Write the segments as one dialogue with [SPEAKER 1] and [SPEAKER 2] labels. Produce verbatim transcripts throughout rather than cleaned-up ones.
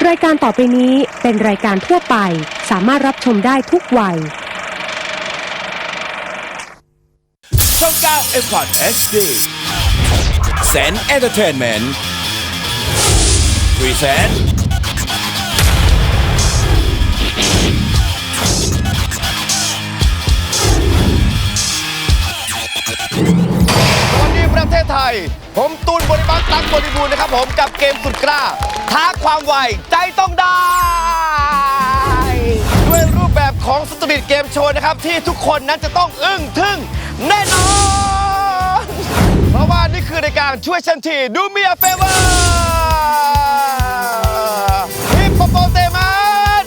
[SPEAKER 1] รายการต่อไปนี้เป็นรายการทั่วไปสามารถรับชมได้ทุกวัย
[SPEAKER 2] ช่อง เก้า เอ็ม คอท เอช ดี เซน Entertainment Present
[SPEAKER 3] วันนี้ประเทศไทยผมตูนบริบักตั๊กบริบูรณ์นะครับผมกับเกมสุดกล้าท้าความไวใจต้องได้ด้วยรูปแบบของสตรีทเกมโชว์นะครับที่ทุกคนนั้นจะต้องอึ้งทึ่งแน่นอนเพราะว่านี่คือในการช่วยฉันทีดูมีa favorฮิปโปโปเตมัส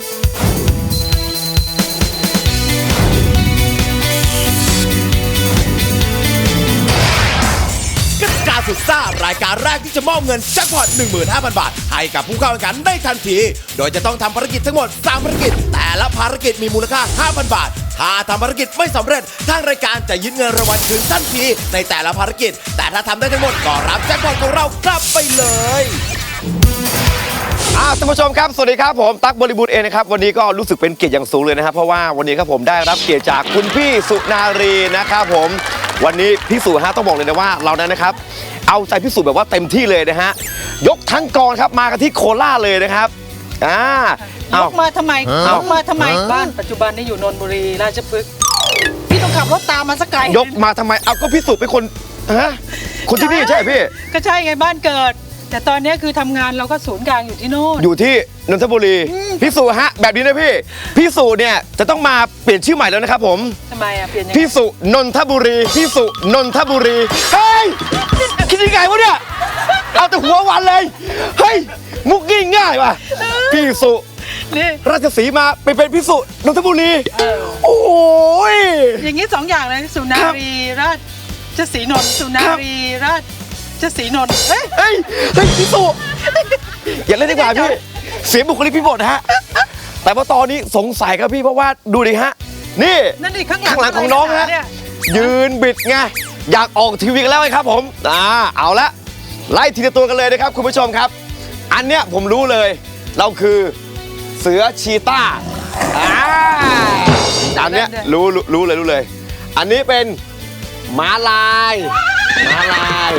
[SPEAKER 2] กติกาสุดซ่ารายการแรกที่จะมอบเงินแจ็คพอต หนึ่งหมื่นห้าพัน บาทให้กับผู้เข้าแข่งขันได้ทันทีโดยจะต้องทำภารกิจทั้งหมดสามภารกิจแต่ละภารกิจมีมูลค่า ห้าพัน บาทถ้าทำภารกิจไม่สำเร็จทางรายการจะยึดเงินรางวัลคืนทันทีในแต่ละภารกิจแต่ถ้าทำได้ทั้งหมดก็รับแจ็คพอตของเรากลับไปเลย
[SPEAKER 3] อ่าท่านผู้ชมครับสวัสดีครับผมตั๊กบริบูรณ์เองนะครับวันนี้ก็รู้สึกเป็นเกียรติอย่างสูงเลยนะครับเพราะว่าวันนี้ครับผมได้รับเกียรติจากคุณพี่สุนารีนะครับผมวันนี้พี่สุฮะต้องบอกเลยนะว่าเรานั้นนะครับเอาใจพี่สุแบบว่าเต็มที่เลยนะฮะยกทั้งกองครับมากันที่โคราชเลยนะครับอ่าย
[SPEAKER 4] กมาทำไมยกมาทำไมบ้านปัจจุบันนี่อยู่นนทบุรีราชพฤกษ์พี่ต้องขับรถตามมาสักไกล
[SPEAKER 3] ยกมาทำไมเอาก็พี่สุเป็นคนฮะคนที่นี่ใช่ไหมพี่
[SPEAKER 4] ก็ใช่ไงบ้านเกิดแต่ตอนนี้คือทำงานเราก็ศูนย์กลางอยู่ที่โน่น
[SPEAKER 3] อยู่ที่นนทบุรีพี่สุฮะแบบนี้นะพี่พี่สุเนี่ยจะต้องมาเปลี่ยนชื่อใหม่แล้วนะครับผม
[SPEAKER 4] ทำไมอ่ะเปลี่ยนยังไง
[SPEAKER 3] พี่สุนนทบุรีพี่สุนนทบุรีเฮ้ยคิดยังไงวะเนี่ยเอาแต่หัววันเลยเฮ้ยมุกง่ายง่ายว่ะพี่สุ
[SPEAKER 4] นี่
[SPEAKER 3] ราชสีมาไปเป็นพี่สุนนทบุรีโอ้ย
[SPEAKER 4] อย่างนี้สองอย่างเลยสุนารีราชสีนนท์สุนารีราชสีนนท์เฮ้ย
[SPEAKER 3] เฮ้ยเฮ้ยพี่สุอย่าเล่นดีกว่าพี่เสียบุคลิกพี่หมดฮะแต่ว่าตอนนี้สงสัยครับพี่เพราะว่าดูดิฮะนี่
[SPEAKER 4] นั่นดิข้าง
[SPEAKER 3] หลังของน้องฮะยืนบิดไงอยากออกทีวีกันแล้วไงครับผมอ่าเอาละไล่ทีละตัวกันเลยนะครับคุณผู้ชมครับอันเนี้ยผมรู้เลยเราคือเสือชีต้าอ่าอันเนี้ยรู้รู้เลยรู้เลยอันนี้เป็นม้าลายม้าลาย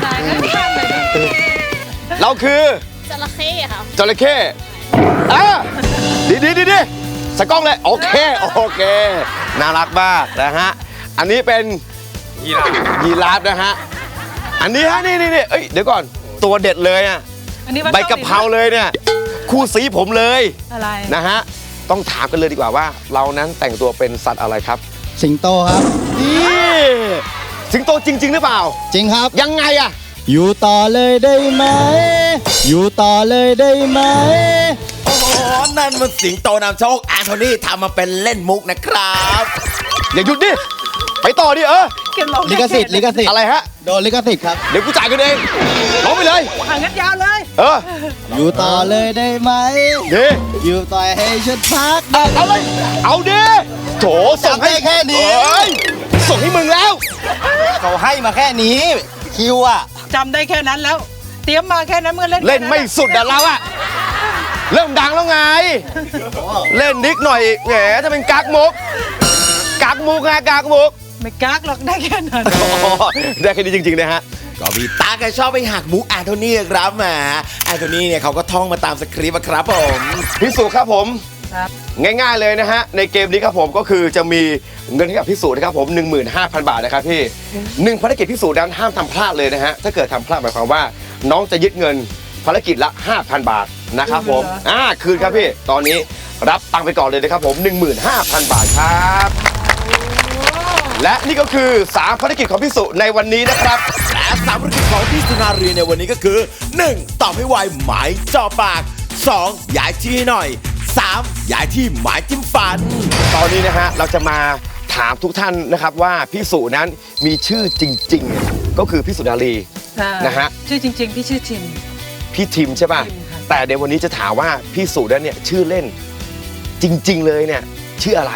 [SPEAKER 3] เราคือ
[SPEAKER 5] จระเข้ค่ะ
[SPEAKER 3] จระเข้อ่ะดีดีดีดีใส่กล้องเลยโอเคโอเคน่ารักมากนะฮะอันนี้เป็นยีราฟยีราฟนะฮะอันนี้ฮะนี่นี่นี่เอ้ยเดี๋ยวก่อนตัวเด็ดเลยอ่ะใบกะเพราเลยเนี่ยคู่สีผมเลย
[SPEAKER 4] อะไร
[SPEAKER 3] นะฮะต้องถามกันเลยดีกว่าว่าเรานั้นแต่งตัวเป็นสัตว์อะไรครับ
[SPEAKER 6] สิงโตครับ
[SPEAKER 3] นี่สิงโตจริงๆหรือเปล่า
[SPEAKER 6] จริงครับ
[SPEAKER 3] ยังไงอะ
[SPEAKER 6] อยู่ต่อเลยได้ไหมอยู่ต่อเลยได้ไหม
[SPEAKER 2] โอ้โหนั่นมันสิงโตนำโชคแอนโทนีทำมาเป็นเล่นมุกนะครับ
[SPEAKER 3] อย่าหยุดดิไปต่อดิเออ
[SPEAKER 6] ลิขสิทธิ์ลิขสิทธิ์
[SPEAKER 3] อะไรฮะ
[SPEAKER 6] โดนลิขสิทธิ์ครับ
[SPEAKER 3] เดี๋ยวกูจ่ายกันเองร้องไปเลย
[SPEAKER 4] ห่างกันยาวเลย
[SPEAKER 3] เออ
[SPEAKER 6] อยู่ต่อเลยได้ไหม
[SPEAKER 3] ดิ
[SPEAKER 6] อยู่ต่อให้ฉันพัก
[SPEAKER 3] เอาเลยเอาดิโถส่งให้
[SPEAKER 6] แค่นี้
[SPEAKER 3] ส่งให้มึงแล้ว
[SPEAKER 6] เขาให้มาแค่นี้คิวอะ
[SPEAKER 4] จำได้แค่นั้นแล้วเตรียมมาแค่นั้นเมื่อเล่น
[SPEAKER 3] เล่นไม่สุดอะเราอะเริ่มดังแล้วไงเล่นนิดหน่อยแหมจะเป็นกักมุกกักมุกไงกักมุก
[SPEAKER 4] ไม่กักหรอกได้แค่นั้น
[SPEAKER 3] ได้แค่นี้จริงๆนะฮะ
[SPEAKER 2] ก็พี่ตาแกชอบไปหักมุกแอนโทนีครับแหมแอนโทนีเนี่ยเขาก็ท่องมาตามสคริปต์ครับผม
[SPEAKER 3] พี่สุครับผมง่ายๆเลยนะฮะในเกมนี้ครับผมก็คือจะมีเงินให้กับพี่สุนะครับผม หนึ่งหมื่นห้าพัน บาทนะครับพี่หนึ่งภารกิจพี่สุนั้นห้ามทำพลาดเลยนะฮะถ้าเกิดทำพลาดหมายความว่าน้องจะยึดเงินภารกิจละ ห้าพัน บาทนะครับผมอ่าคืนครับพี่ตอนนี้รับตังค์ไปก่อนเลยนะครับผม หนึ่งหมื่นห้าพัน บาทครับและนี่ก็คือสามภารกิจของพี่สุในวันนี้นะครับ
[SPEAKER 2] และสามภารกิจของพี่สุนารีในวันนี้ก็คือหนึ่งตอบให้ไวหมายจ่อปากสองย้ายที่หน่อยสามย้ายที่หมายจิ้มฟัน
[SPEAKER 3] ตอนนี้นะฮะเราจะมาถามทุกท่านนะครับว่าพี่สุนั้นมีชื่อจริงๆก็คือพี่สุนารีนะฮะ
[SPEAKER 4] ชื่อจริงๆพี่ชื่อทิม
[SPEAKER 3] พี่ทิมใช่ป่ะแต่ในวันนี้จะถามว่าพี่สุนั้นเนี่ยชื่อเล่นจริงๆเลยเนี่ยชื่ออะไร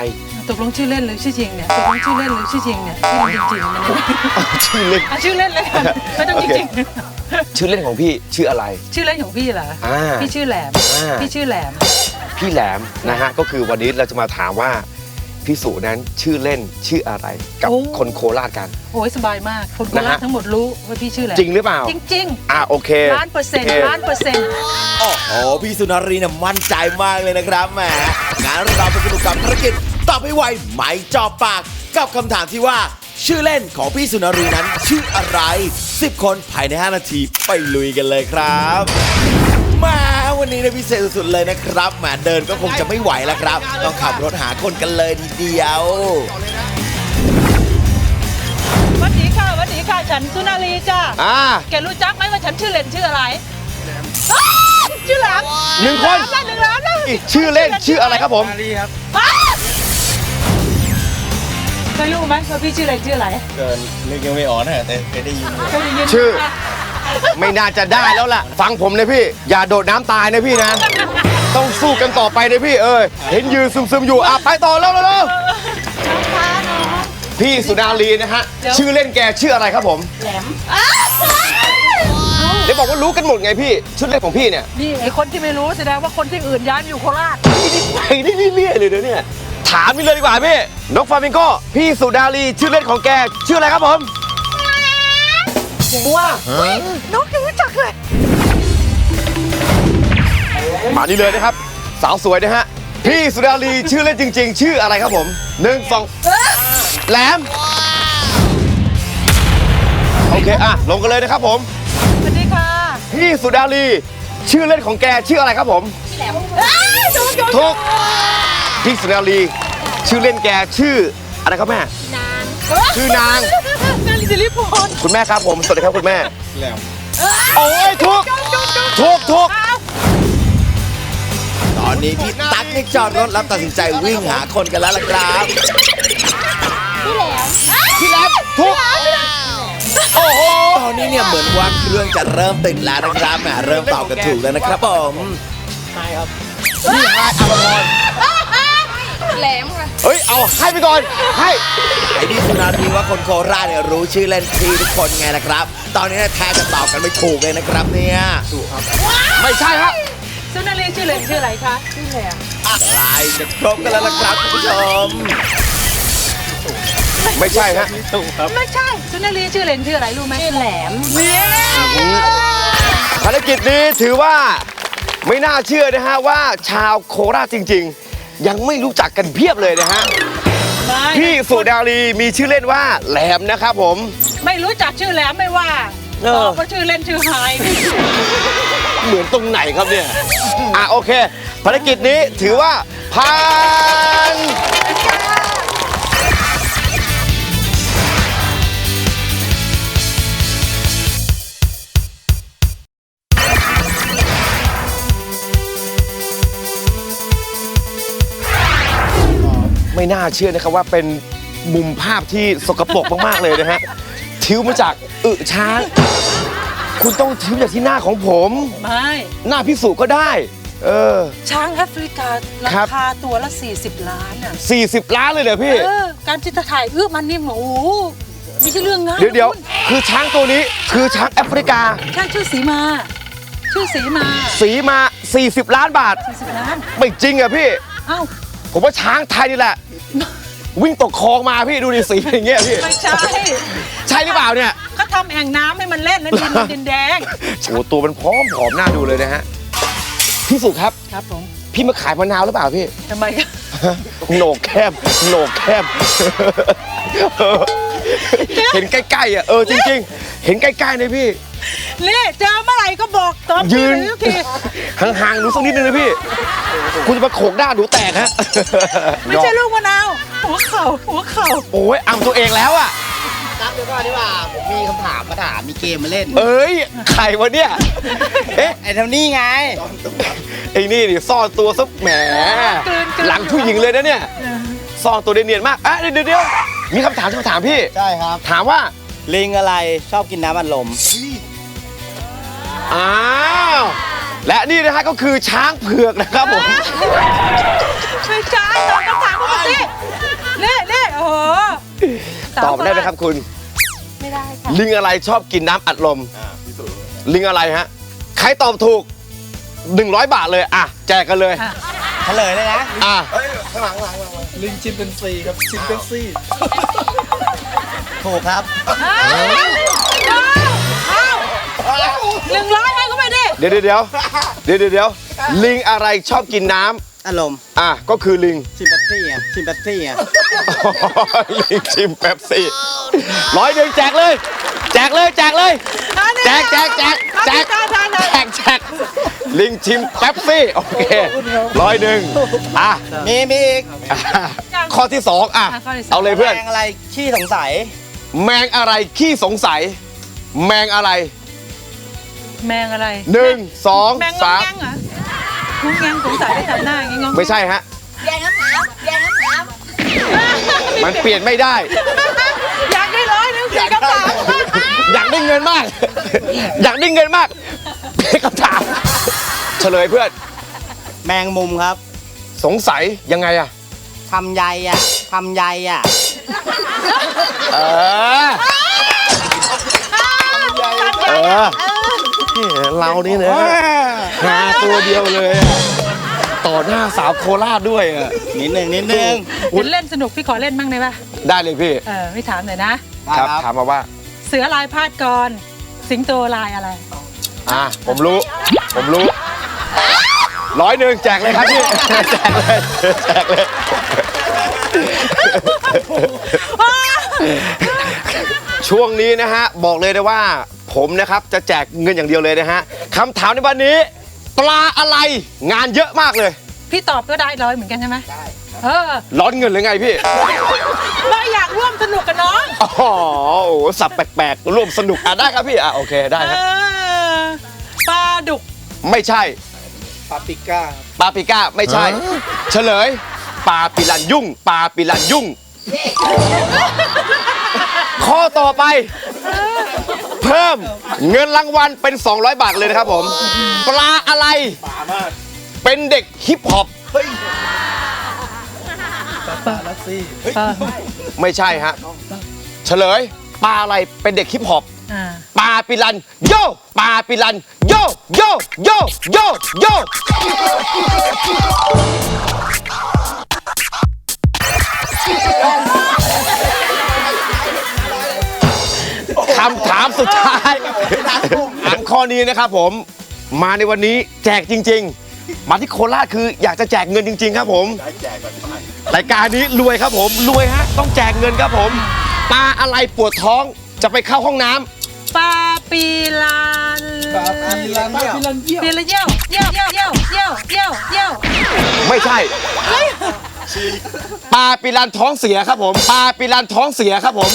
[SPEAKER 4] ตกลงชื่อเล่นหรือชื่อจริงเนี่ยตกลงชื่อเล่นหรือชื่อจริงเนี่ยชื่อจริงๆมันเนี่ย
[SPEAKER 3] ชื่อเล่น
[SPEAKER 4] อ่ะชื่อเล่นเลยกันไม่ต้องจริง
[SPEAKER 3] ชื่อเล่นของพี่ชื่ออะไร
[SPEAKER 4] ๆชื่อเล่นของพี่เหรอ
[SPEAKER 3] อ่า
[SPEAKER 4] พี่ชื่อแหลม
[SPEAKER 3] อ่า
[SPEAKER 4] พี่ชื่อแหลม
[SPEAKER 3] พี่แหลมนะฮะก็คือวันนี้เราจะมาถามว่าพี่สุนั้นชื่อเล่นชื่ออะไร กับคนโคราชกัน
[SPEAKER 4] โอ้ยสบายมากคนโค
[SPEAKER 3] นะ
[SPEAKER 4] รา
[SPEAKER 3] ฮะ
[SPEAKER 4] ชทั้งหมดรู้ว่าพี่ชื่อแหลม
[SPEAKER 3] จริงหรือเปล่า
[SPEAKER 4] จริง
[SPEAKER 3] อ่าโอเค
[SPEAKER 4] ๆล้านเปอร์เซ็นต์
[SPEAKER 3] โอเค
[SPEAKER 4] ล้านเปอร์เซ็นต์
[SPEAKER 2] โอ้โหพี่สุนารีเนี่ยมั่นใจมากเลยนะครับแหมงานเราไปสนุกกับภารกิจตอบให้ไวไม่จอบปากกับคำถามที่ว่าชื่อเล่นของพี่สุนารีนั้นชื่ออะไรสิบคนภายในห้านาทีไปลุยกันเลยครับมาวันนี้เนี่ยพิเศษสุดๆเลยนะครับแหมเดินก็คงจะไม่ไหวแล้วครับ ต้องขับรถหาคนกันเลยทีเดียว
[SPEAKER 4] สวัสดีค่ะสวัสดีค่ะฉันสุนารีจ้า
[SPEAKER 3] อ่า
[SPEAKER 4] แกรู้จักไหมว่าฉันชื่อเล่นชื่ออะไรอ้าวชื่อแหลม
[SPEAKER 3] หนึ่งคน
[SPEAKER 4] ได้หนึ่งล้านแล้ว
[SPEAKER 3] อีกชื่อเล่นชื่ออะไรครับผม
[SPEAKER 4] อ้าวเคยรู้ไหมว่าพี่ชื่อเล่นชื่ออะไร
[SPEAKER 6] เกินนึกยังไม่ออกนะแต่เคยได้ยิน
[SPEAKER 4] เคยได้ยิน
[SPEAKER 3] ชื่อ ไม่น่าจะได้แล้วล่ะ ฟังผมเลยพี่ อย่าโดดน้ำตายนะพี่นะ ต้องสู้กันต่อไปนะพี่เอ้ยเห็นยืนซึมๆอยู่อ่ะไปต่อแล้วแล้วพี่สุนารีนะฮะชื่อเล่นแกชื่ออะไรครับผม
[SPEAKER 4] แหลม
[SPEAKER 3] เดี๋ยวบอกว่ารู้กันหมดไงพี่ชื่อเล่นของพี่เนี่ย
[SPEAKER 4] นี่ไอคนที่ไม่รู้แสดงว่าคนที่อื่นย้ายมาอยู่โคราช
[SPEAKER 3] ไปได้เรื่อยๆเลยเดี๋ยวเนี่ยถามนี่เลยดีกว่าพี่นกฟลามิงโกพี่สุนารีชื่อเล่นของแกชื่ออะไรครับผมว้า
[SPEAKER 4] น้องยังรู้จักเลย
[SPEAKER 3] มานี่เลยนะครับ สาวสวยนะฮะพี่สุนารีชื่อเล่นจริง ๆ ชื่ออะไรครับผมหนึ่งสองแหลมโอเคอ่ะลงกันเลยนะครับผม
[SPEAKER 4] สวัสดีค่ะ
[SPEAKER 3] พี่สุนารีชื่อเล่นของแกชื่ออะไรครับผม
[SPEAKER 4] พี่แหลมอ้าวถูกถูก
[SPEAKER 3] ถูกพี่สุนารีชื่อเล่นแกชื่ออะไรครับแม่ ชื่อนาง
[SPEAKER 4] นางสิริพร
[SPEAKER 3] คุณแม่ครับผมสวัสดีครับคุณแม่
[SPEAKER 6] แหลม
[SPEAKER 3] โอ้ยถูกถูกถูก
[SPEAKER 2] ตอนนี้พี่ตั๊กนี่จอดรถแล้วตัดสินใจวิ่งหาคนกันแล้วล่ะครับ
[SPEAKER 3] พี่แหลมถูกโอ้โห
[SPEAKER 2] ตอนนี้เนี่ยเหมือนว่าเครื่องจะเริ่มติดแล้วนะครับแหมเริ่มตอบกันถูกแล้วนะครับผม
[SPEAKER 3] นี่ฮะอภพร
[SPEAKER 5] แหลมค่ะ
[SPEAKER 3] เฮ้ยเอาให้ไปก่อนให้
[SPEAKER 2] ไอ้พี่สุนารีว่าคนโคราชเนี่ยรู้ชื่อเล่นพี่ทุกคนไงนะครับ ตอนนี้เนี่ยแทบจะตอบกันไม่ถูกเลยนะครับเนี่ยถูกครับ
[SPEAKER 3] ไม่ใช่ฮะ
[SPEAKER 4] สุนารีชื่อเล่นชื่ออะไรคะชื่อแหลม
[SPEAKER 2] ใกล้จะครบกันแล้วล่ะครับคุณผู้ชม
[SPEAKER 3] ไม่ใช่ฮะ
[SPEAKER 6] ถูกครับ
[SPEAKER 4] ไม่ใช่สุนารีชื่อเล่นชื่ออะไรรู้ไหมชื่อแหลม
[SPEAKER 3] ภารกิจนี้ถือว่าไม่น่าเชื่อนะฮะว่าชาวโคราชจริง ๆ ยังไม่รู้จักกันเพียบเลยนะฮะพี่สุนารีมีชื่อเล่นว่าแหลมนะครับผม
[SPEAKER 4] ไม่รู้จักชื่อแหลมไม่ว่า
[SPEAKER 3] เออ
[SPEAKER 4] บอกว่าชื่อเล่นชื่อไฮ
[SPEAKER 3] เหมือนตรงไหนครับเนี่ย อ่ะโอเค ภารกิจนี้ถือว่าผ่านไม่น่าเชื่อนะครับว่าเป็นมุมภาพที่สกปรกมากๆเลยนะฮะทิวมาจากอึช้าง คุณต้องทิวจากที่หน้าของผม
[SPEAKER 4] ไม่
[SPEAKER 3] หน้าพิสูจก็ได้ เออ
[SPEAKER 4] ช้างแอฟริการา
[SPEAKER 3] ครับ
[SPEAKER 4] คาตัวละ สี่สิบ ล้านอ่ะ
[SPEAKER 3] สี่สิบล้านเลยเหรอพี่
[SPEAKER 4] เออการจิตถ่ายเอื้อมันนี่โอ้โหไม่ใช่เรื่องง่าย
[SPEAKER 3] เดี๋ยวเดี๋ยว
[SPEAKER 4] คุณ
[SPEAKER 3] คือช้างตัวนี้คือช้างแอฟริกา
[SPEAKER 4] ช้างชื่อสีมา ชื่อสีมา
[SPEAKER 3] สีมา สี่สิบ ล้านบาท
[SPEAKER 4] สี่สิบล้าน
[SPEAKER 3] ไม่จริงอะพี่
[SPEAKER 4] เอ้า
[SPEAKER 3] ผมว่าช้างไทยนี่แหละ วิ่งตกคลองมาพี่ดูดิสีอย่างเงี้ยพี่
[SPEAKER 4] ไม่ใช่
[SPEAKER 3] ใช่หรือเปล่าเนี่ย
[SPEAKER 4] ก็ทำแอ่งน้ำให้มันเล่นแล้วดินมันดินแดง
[SPEAKER 3] โอ้ตัวมันพร้อมผอมหน้าดูเลยนะฮะ พี่สุครับ
[SPEAKER 4] ครับผม
[SPEAKER 3] พี่มาขายมะนาวหรือเปล่าพี่
[SPEAKER 4] ทำไมกัน
[SPEAKER 3] โหนกแคบโหนกแคบ เห็นใกล้ๆอ่ะเออจริงๆ เห็นใกล้ๆเลยพี่
[SPEAKER 4] นี่เจอเมื่อไหร่ก็บอกตอน
[SPEAKER 3] ยืน
[SPEAKER 4] ทุกที
[SPEAKER 3] ห่างๆหนูสักนิดนึงนะพี่ คุณจะมาโขกหน้าหนูแตกฮะ
[SPEAKER 4] ไม่ใช่ลูกมะนาว หัวเข่าหัวเข่า
[SPEAKER 3] โอ้ยอำตัวเองแล้วอ่ะ
[SPEAKER 7] ครับเดี๋ยวก่อนดีกว่าผมมีคำถามมาถามมีเกมมาเล่น
[SPEAKER 3] เอ้ยใครวะเนี่ย เอ๊ะ
[SPEAKER 7] ไอ้เท่านี้ไง
[SPEAKER 3] ไอ้นี่ดิซ่อนตัวซะแหม หลังผู้หญิงเลยนะเนี่ย ซ่อนตัวเนียนๆมากอ่ะเดี๋ยวเดี๋ยวมีคำถามจะมาถามพี่
[SPEAKER 7] ใช่ครับ
[SPEAKER 3] ถามว่า
[SPEAKER 7] ลิงอะไรชอบกินน้ำอัดลม
[SPEAKER 3] อ้าวและนี่นะฮะก็คือช้างเผือกนะครับผม
[SPEAKER 4] ไม่ใช่ตอบคำถามเขามาสิสาว
[SPEAKER 3] ตอบได้ไหมครับคุณ
[SPEAKER 5] ไม่ได้ค่ะ
[SPEAKER 3] ลิงอะไรชอบกินน้ำอัดลมลิงอะไรฮะใครตอบถูกหนึ่งร้อยบาทเลยอ่ะแจกกันเลย
[SPEAKER 4] อ่ะ
[SPEAKER 7] เฉลยเลยนะ
[SPEAKER 3] อ่ะ
[SPEAKER 6] ลิงชิมเป็นซีครับชิมเป็นซี
[SPEAKER 7] ถูกครับ
[SPEAKER 4] หนึ่งร้อยให้เขาไปดิ
[SPEAKER 3] เดี๋ยวเดี๋ยวเดี๋ยวเดี๋ยวเดี๋ยวเดี๋ยวลิงอะไรชอบกินน้ำ
[SPEAKER 7] อารมณ์
[SPEAKER 3] อ่ะก็คือลิง
[SPEAKER 7] ชิมเป๊ปซี่อ่ะชิมเป๊ปซี่อ่ะ
[SPEAKER 3] ลิงชิมเป๊ปซี่ร้อยหนึ่งแจกเลย แจกเลยแจกเลย แจกแจกแจกแจกแจกแจกลิงชิมเป๊ปซี่โอเคร้อยหนึ่งอ่ะ
[SPEAKER 7] มีมีอีก
[SPEAKER 3] อ่ะข้อที่สองอ่ะ
[SPEAKER 4] อ่ะข้อที่สอง
[SPEAKER 3] เอาเลยเพื่อน
[SPEAKER 7] แมงอะไรขี้สงสัย
[SPEAKER 3] แมงอะไรขี้สงสัย แมงอะไร
[SPEAKER 4] แมงอะไร
[SPEAKER 3] หนึ่งสอง
[SPEAKER 4] แมงง
[SPEAKER 3] สาง ม
[SPEAKER 4] แงงเหรองงแงงสงสัยได้ทำหน้าอย่างงี้งง
[SPEAKER 3] ไม่ใช่ฮะ
[SPEAKER 5] แยงน้ำน้ำแยงน้ำน้ำ
[SPEAKER 3] มันเปลี่ยนไม่ได้
[SPEAKER 4] อยากได้ร้อยหนึงสี่คำถาม
[SPEAKER 3] อยากได้เงินมาก อยากได้เงินมากเป็นคำถามเฉลยเพื่อน
[SPEAKER 7] แมงมุมครับ
[SPEAKER 3] สงสัยยังไงอะ
[SPEAKER 7] ทำใยอ่ะทำใยอ่ะ
[SPEAKER 3] เออเออนี่เรานี่นะหาตัวเดียวเลยอะต่อหน้าสาวโคราชด้วยอะ
[SPEAKER 7] นิดหนึ่งนิดหนึ่ง
[SPEAKER 4] เห็นเล่นสนุกพี่ขอเล่นบ้างได้ปะ
[SPEAKER 3] ได้เลยพี่
[SPEAKER 4] เออพี่ถามหน่อยนะ
[SPEAKER 3] ครับถามมาว่า
[SPEAKER 4] เสือลายพาดกร สิงโตลายอะไร
[SPEAKER 3] อ่ะผมรู้ ผมรู้ร้อยหนึ่งแจกเลยครับพี่ แจกเลยแจกเลยช่วงนี้นะฮะบอกเลยนะว่า ผมนะครับจะแจกเงินอย่างเดียวเลยนะฮะคำถามในวันนี้ ปลาอะไรงานเยอะมากเลย
[SPEAKER 4] พี่ตอบก็ได้ร้อยเหมือนกันใช่ไหมได้เออ
[SPEAKER 3] ร้อนเงินหรือไงพี่
[SPEAKER 4] เราอยากร่วมสนุกกับน้อง
[SPEAKER 3] อ๋อโอ้โหสับแปลกๆร่วมสนุกอ่ะได้ครับพี่อ่ะโอเคได้
[SPEAKER 4] เอ
[SPEAKER 3] ครับ
[SPEAKER 4] อปลาดุก
[SPEAKER 3] ไม่ใช่
[SPEAKER 6] ปาปิก้า
[SPEAKER 3] ปลาปิก้าไม่ใช่ เฉลยปลาปิลันยุ่งปลาปิลันยุ่ง ข้อต่อไป เพิ่มเงินรางวัลเป็น สองร้อย บาทเลยนะครับผม ปลาอะไร เป็นเด็กฮิปฮอป
[SPEAKER 6] ปาลัสซี่
[SPEAKER 4] ปลา
[SPEAKER 3] ไม่ใช่ฮะ เฉลยปลาอะไรเป็นเด็กฮิปฮอป
[SPEAKER 4] อ่า
[SPEAKER 3] ปลาปิลันโยปลาปิลันโยโยโยโยโยคำถามสุดท้ายอ่านข้อนี้นะครับผม มาในวันนี้แจกจริง ๆ มาที่โคราชคืออยากจะแจกเงินจริง ๆ ครับผมรายการนี้รวยครับผมรวยฮะต้องแจกเงินครับผมปลาอะไรปวดท้องจะไปเข้าห้องน้ำ
[SPEAKER 4] ปลาปีลัน
[SPEAKER 6] ปาปิลันปาปิลันเยี่ยม
[SPEAKER 4] ปีลันเยี่ยวเยี่ยวเยี่ยวเยี่ยวเยี่ยวเยี่ยวเยี่ยว
[SPEAKER 3] ไม่ใช่ปลาปิลันท้องเสียครับผมปลาปิลันท้องเสียครับผม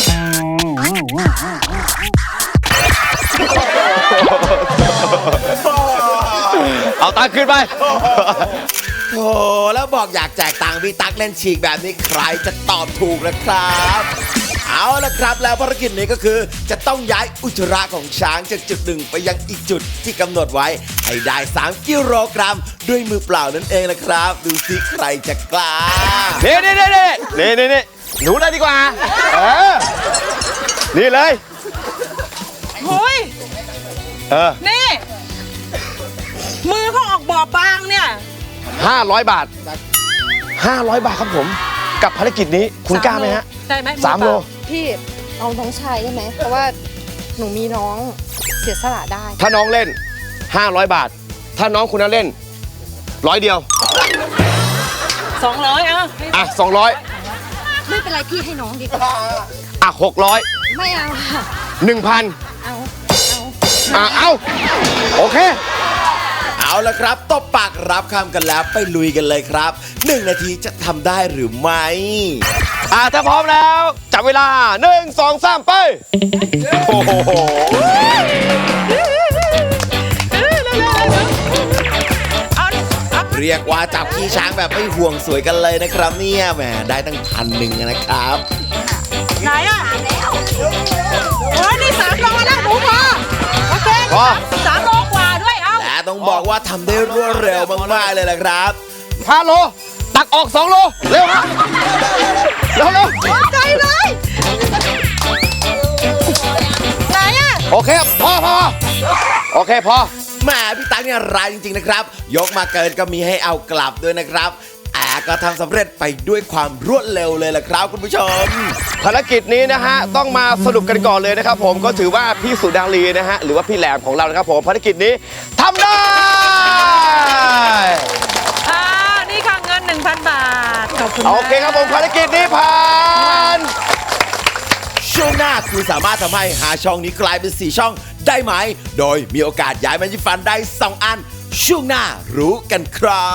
[SPEAKER 3] เอาตังค์ขึ้นไป
[SPEAKER 2] โอ้แล้วบอกอยากแจกตังค์พี่ตั๊กเล่นฉีกแบบนี้ใครจะตอบถูกนะครับ เอาละครับแล้วภารกิจนี้ก็คือจะต้องย้ายอุจจาระของช้างจากจุดหนึ่งไปยังอีกจุดที่กำหนดไว้ให้ได้สามกิโลกรัมด้วยมือเปล่านั่นเองนะครับ ดูสิใครจะกล้า
[SPEAKER 3] เน่เน่เน่เน่เน่เน่เน่หนูได้ดีกว่าเออนี่เลย
[SPEAKER 4] โอ้ย
[SPEAKER 3] เออ
[SPEAKER 4] นี่ มือเขาออกบอบบางเนี่ย
[SPEAKER 3] ห้าร้อยบาทห้าร้อยบาทครับผม กับภารกิจนี้คุณกล้าไหมฮะ
[SPEAKER 4] ได้ไหม
[SPEAKER 3] สามโล
[SPEAKER 5] พี่เอาน้องชายได้ไหม เพราะว่าหนูมีน้องเสียสละได้
[SPEAKER 3] ถ้าน้องเล่นห้าร้อยบาท ถ้าน้องคุณนั้นเล่นร้อยเดียว
[SPEAKER 4] สองร้อยอ่ะ
[SPEAKER 3] อ่ะสองร้อย
[SPEAKER 5] ไม่เป็นไรพี่ให้น้องดีกว่า
[SPEAKER 3] อ่ะหกร้อย
[SPEAKER 5] ไม่เอาค่ะ
[SPEAKER 3] หนึ่งพัน
[SPEAKER 5] เอา
[SPEAKER 3] อ่ะเอาโอเค
[SPEAKER 2] เอาละครับตบปากรับคำกันแล้วไปลุยกันเลยครับหนึ่งนาทีจะทำได้หรือไม่
[SPEAKER 3] อ่ะถ้าพร้อมแล้ว จับเวลาหนึ่งสองสามไปโอ้โห
[SPEAKER 4] เอาเอา
[SPEAKER 2] เรียกว่าจับขี้ช้างแบบไม่ห่วงสวยกันเลยนะครับเนี่ยแหมได้ตั้งพันหนึ่งนะครับ
[SPEAKER 4] ไหนอ่ะโอ้ยนี่สามโลแล้วหนูพอโอเค
[SPEAKER 3] พอ
[SPEAKER 4] สามโลกว่าด้วยเอา
[SPEAKER 2] และต้องบอกว่าทำได้รวดเร็วมากๆเลยแหละครับ
[SPEAKER 3] ห้าโล ตักออกสองโล เร็วครับเร็วเร็ว
[SPEAKER 4] ใจเลยไหนอ่ะ
[SPEAKER 3] โอเคพอพอโอเคพอ
[SPEAKER 2] แหมพี่ตั๊กเนี่ยร้ายจริงๆนะครับ ยกมาเกินก็มีให้เอากลับด้วยนะครับแต่ก็ทำสำเร็จไปด้วยความรวดเร็วเลยล่ะครับคุณผู้ชม
[SPEAKER 3] ภารกิจนี้นะฮะต้องมาสรุปกันก่อนเลยนะครับผมก็ถือว่าพี่สุดารีนะฮะหรือว่าพี่แหลมของเรานะครับผมภารกิจนี้ทำได้
[SPEAKER 4] อ่านี่ค่ะเงิน หนึ่งพัน บาทขอบคุณ
[SPEAKER 3] โอเคครับผมภารกิจนี้ผ่าน
[SPEAKER 2] ช่วงหน้าคุณสามารถทำให้หาช่องนี้กลายเป็นสี่ช่องได้ไหม โดยมีโอกาสย้ายแมจิฟันได้สองอัน ช่วงหน้ารู้กันครับ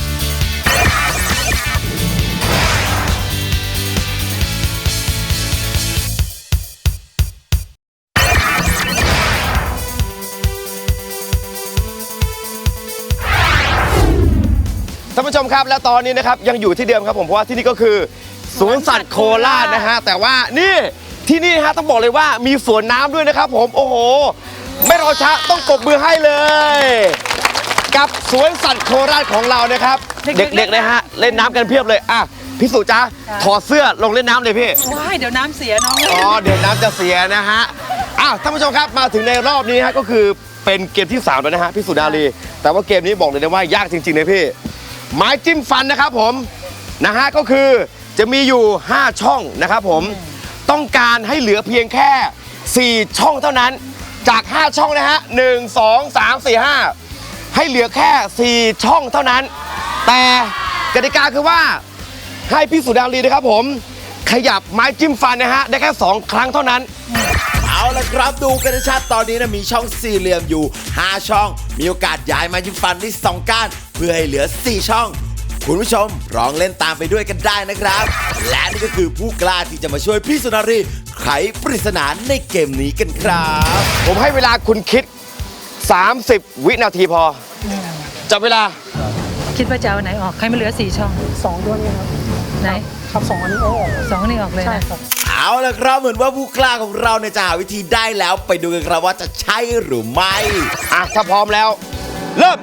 [SPEAKER 3] ท่านผู้ชมครับและตอนนี้นะครับยังอยู่ที่เดิมครับผมเพราะว่าที่นี่ก็คือสวนสัตว์โคราชนะฮะแต่ว่านี่ที่นี่ฮะต้องบอกเลยว่ามีสวนน้ำด้วยนะครับผมโอ้โหไม่รอช้าต้องปรบมือให้เลย กับสวนสัตว์โคราชของเรานะครับเด็กๆนะฮะเล่นน้ำกันเพียบเลยอ่ะพี่สุจ้าถอดเสื้อลงเล่นน้ำเลยพี่
[SPEAKER 4] ว้ายเดี๋ยวน้ำเสียน้อง
[SPEAKER 3] อ๋อเดี๋ยวน้ำจะเสียนะฮะอ้าวท่านผู้ชมครับมาถึงในรอบนี้ฮะก็คือเป็นเกมที่สามแล้วนะฮะพี่สุดารีแต่ว่าเกมนี้บอกเลยนะว่ายากจริงๆเลยพี่ไม้จิ้มฟันนะครับผมนะฮะก็คือจะมีอยู่ห้าช่องนะครับผมต้องการให้เหลือเพียงแค่สี่ช่องเท่านั้นจากห้าช่องนะฮะหนึ่ง สอง สาม สี่ ห้าให้เหลือแค่สี่ช่องเท่านั้นแต่กติกาคือว่าให้พี่สุดารีนะครับผมขยับไม้จิ้มฟันนะฮะได้แค่สองครั้งเท่านั้น
[SPEAKER 2] เอาละครับดูกันชัดตอนนี้นะมีช่องสี่เหลี่ยมอยู่ห้าช่อง มีโอกาสย้ายมายิ้มฟันได้สองก้านเพื่อให้เหลือสี่ช่อง คุณผู้ชมลองเล่นตามไปด้วยกันได้นะครับ และนี่ก็คือผู้กล้าที่จะมาช่วยพี่สุนารีไขปริศนาในเกมนี้กันครับ
[SPEAKER 3] ผมให้เวลาคุณคิด สามสิบ วินาทีพอจับเวลา
[SPEAKER 4] คิดว่าจะเอาไหนออกใครไม่เหลือสี่ช่อง
[SPEAKER 6] สองด้วยครับ
[SPEAKER 4] ไหน
[SPEAKER 6] ครับสองอันนี้โอ้
[SPEAKER 4] สองนี่ออกเลย
[SPEAKER 6] ใช่
[SPEAKER 4] นะครับ
[SPEAKER 2] เอาละครับเหมือนว่าผู้กล้าของเราเนี่ยจะหาวิธีได้แล้วไปดูกันครับว่าจะใช่หรือไม่
[SPEAKER 3] อ่ะถ้าพร้อมแล้ว เริ่ม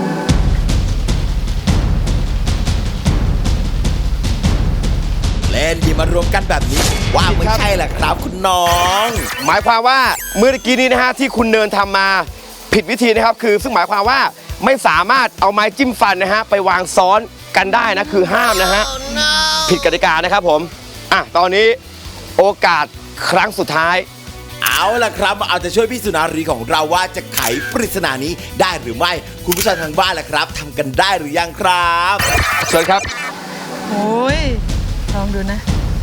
[SPEAKER 2] เล่นดีมารวมกันแบบนี้ว่าไม่ใช่แหละครับคุณน้อง
[SPEAKER 3] หมายความว่าเมื่อกี้นี้นะฮะที่คุณเนินทำมาผิดวิธีนะครับคือซึ่งหมายความว่าไม่สามารถเอาไม้จิ้มฟันนะฮะไปวางซ้อนกันได้นะคือห้ามนะฮะผิดกติกานะครับผมอ่ะตอนนี้โอกาสครั้งสุดท้าย
[SPEAKER 2] เอาล่ะครับมาเอาใจช่วยพี่สุนารีของเราว่าจะไขปริศนานี้ได้หรือไม่ คุณผู้ชมทางบ้านล่ะครับทำกันได้หรือยังครับ
[SPEAKER 3] เชิญครับ
[SPEAKER 4] โอ้ยลองดูนะ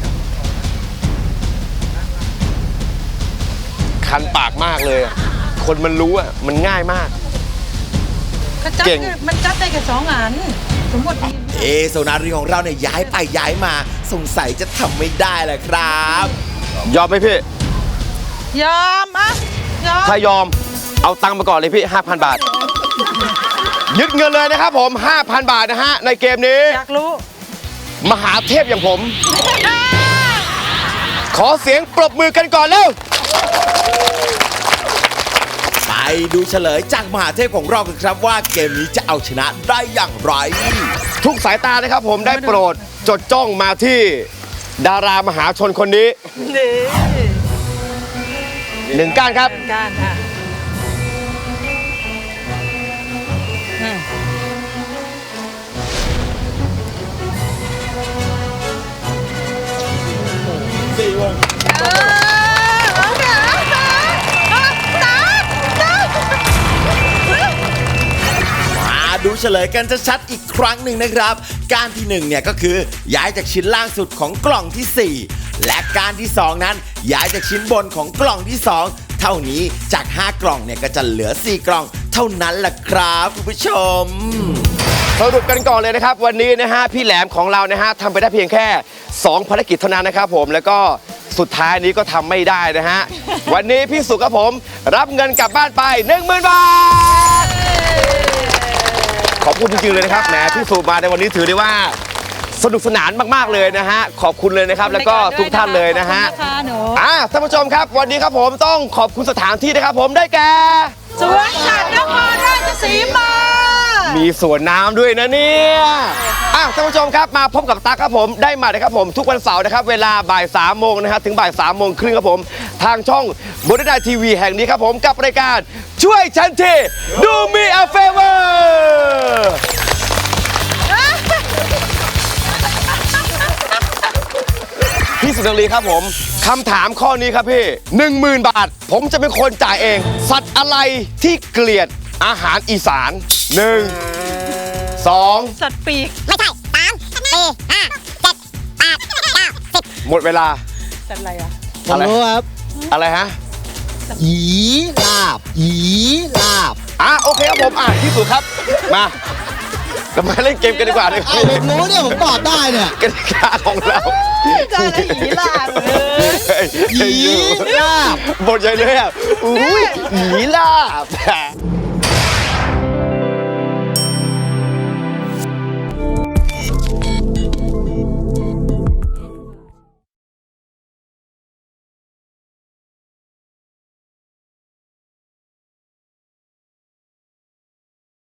[SPEAKER 3] คันปากมากเลยอะคนมันรู้อ่ะมันง่ายมาก
[SPEAKER 4] ก็จับ
[SPEAKER 3] เก่ง
[SPEAKER 4] คือมันจับได้แค่สองอัน สมมติมี
[SPEAKER 2] เอสุนารีของเราเนี่ยย้ายไปย้ายมาสงสัยจะทำไม่ได้แหละครับ
[SPEAKER 3] ยอมไหมพี่
[SPEAKER 4] ยอมอ่ะยอม
[SPEAKER 3] ถ้ายอมเอาตังค์มาก่อนเลยพี่ ห้าพัน บาท ยึดเงินเลยนะครับผม ห้าพัน บาทนะฮะในเกมนี้
[SPEAKER 4] อยากรู้
[SPEAKER 3] มหาเทพอย่างผม ขอเสียงปรบมือกันก่อนเร็ว
[SPEAKER 2] ไปดูเฉลยจากมหาเทพของเรากันครับว่าเกมนี้จะเอาชนะได้อย่างไร
[SPEAKER 3] ทุกสายตานะครับผมได้โปรดจดจ้องมาที่ดารามหาชนคนนี้
[SPEAKER 4] นี่
[SPEAKER 3] หนึ่งก้านครับ
[SPEAKER 4] การอ่ะอืม
[SPEAKER 2] สี่วง
[SPEAKER 4] เออเอาเถอะเอาเถอะเอาตาตา
[SPEAKER 2] มาดูเฉลยกันชัดๆอีกครั้งหนึ่งนะครับ การที่หนึ่งเนี่ยก็คือย้ายจากชิ้นล่างสุดของกล่องที่สี่และการที่สองนั้นย้ายจากชิ้นบนของกล่องที่สองเท่านี้จากห้ากล่องเนี่ยก็จะเหลือสี่กล่องเท่านั้นแหละครับคุณผู้ชม
[SPEAKER 3] สรุปกันก่อนเลยนะครับ วันนี้นะฮะพี่แหลมของเรานะฮะทำไปได้เพียงแค่สองภารกิจเท่านั้นนะครับผมแล้วก็สุดท้ายนี้ก็ทำไม่ได้นะฮะ วันนี้พี่สุครับผมรับเงินกลับบ้านไป หนึ่งหมื่น บาท ขอบคุณจริงๆเลยนะครับแหมพี่สุมาในวันนี้ถือได้ว่าสนุกสนานมากๆเลยนะฮะขอบคุณเลยนะครับแล้วก็ทุกท่านเลยนะฮะ
[SPEAKER 4] ขอบคุณนะคะหนู
[SPEAKER 3] อ่าท่านผู้ชมครับวันนี้ครับผมต้องขอบคุณสถานที่นะครับผมได้แก่
[SPEAKER 4] สวนสัตว์นครราชสีมา
[SPEAKER 3] มีมีสวนน้ำด้วยนะเนี่ยอ่ะท่านผู้ชมครับมาพบกับตั๊กครับผมได้มานะครับผมทุกวันเสาร์นะครับเวลาบ่ายสามโมงนะครับถึงบ่ายสามโมงครึ่งครับผมทางช่องบนดาทีวีแห่งนี้ครับผมกับรายการช่วยฉันทีดูมีa favor พี่สุนารีครับผมคำถามข้อนี้ครับพี่หนึ่งหมื่นบาท ผมจะเป็นคนจ่ายเอง สัตว์อะไรที่เกลียดอาหารอีสานหนึ่งสอง
[SPEAKER 4] สัตว์ปีก
[SPEAKER 8] ไม่ใช่สามสี่ห้าเจ็ดแปดเก้าสิบ
[SPEAKER 3] หมดเวลา
[SPEAKER 4] สัตว์อะไรอ่ะ
[SPEAKER 6] ผมรู้ครับ
[SPEAKER 3] อะไรฮะ
[SPEAKER 6] หยีลาบหยีลาบ
[SPEAKER 3] อ่ะโอเคครับผมอ่ะที่สุดครับมาเรามาเล่นเกมกันดีกว่าเลย
[SPEAKER 6] ไอ้ผมรู้เนี่ยผมตอบได้เนี่ย
[SPEAKER 3] กติกาของเรา
[SPEAKER 4] เจอแล้วหยีลาบเลย
[SPEAKER 3] เฮ้ย
[SPEAKER 6] หยีลาบ
[SPEAKER 3] บทใหญ่เลยอ่ะอุ้ยหยีลาบ